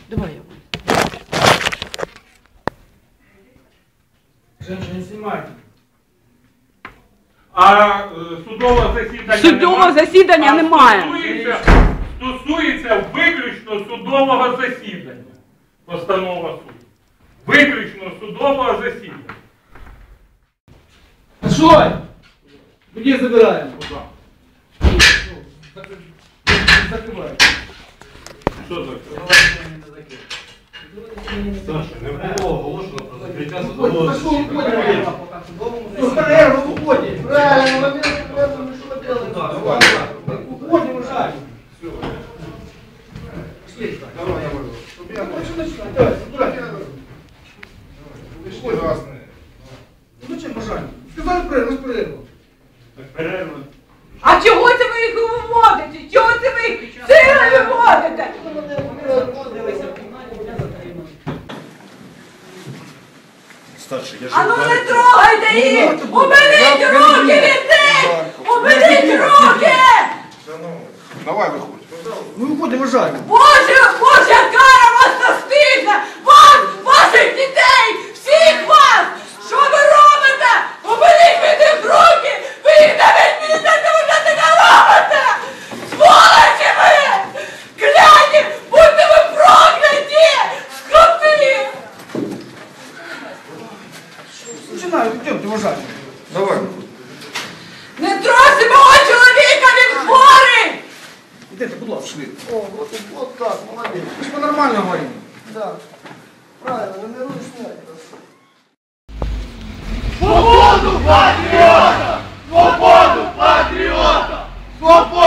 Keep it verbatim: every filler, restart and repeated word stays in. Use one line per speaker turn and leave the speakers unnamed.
Давай я.
Женщина, не снимайте.
А е, судове засідання
Судового
немає?
засідання
А
немає.
Стосується, стосується виключно судового засідання. Постанова суду. Виключно судового засідання.
Что? Где забираем?
Куда?
Закрываем.
Що таке?
Саша, не було оголошено про закриття судового
Пошел,
засідання.
уходим. Ну, перерву, уходим. Правильно, момент, перерву, мы что делаем?
Давай,
Уходим, уже. Пошли.
Давай, я буду.
Что начинать? Давай, туда.
Пішли разне.
Ну зачем бажання? Сказали перерву, перерву.
Так, перерва.
А чого це ви їх виводите? Чого це ви їх силою виводите?
Старший, я ж
А ну не
ударив.
трогайте їх! Уберіть руки від них! Уберіть руки!
Давай виходь.
Ми виходимо, жаль.
Боже, Божа кара вас настигне! Вас, ваших дітей, всіх вас! Що ви робите? Уберіть від них руки! Ви їх не відміните, ви це не робите! Сволочі ви! Кляті! Будьте ви прокляті! Скоти!
Починаю, йдемте, вважаю.
Давай.
Не трогайте мого чоловіка, він хворий!
Йдете, будь ласка. О, вот, вот так, молодець. Ми ж по-нормально говоримо. Да. Правильно, не руйснять.
Свободу патріота! Свободу патріота! Свободу!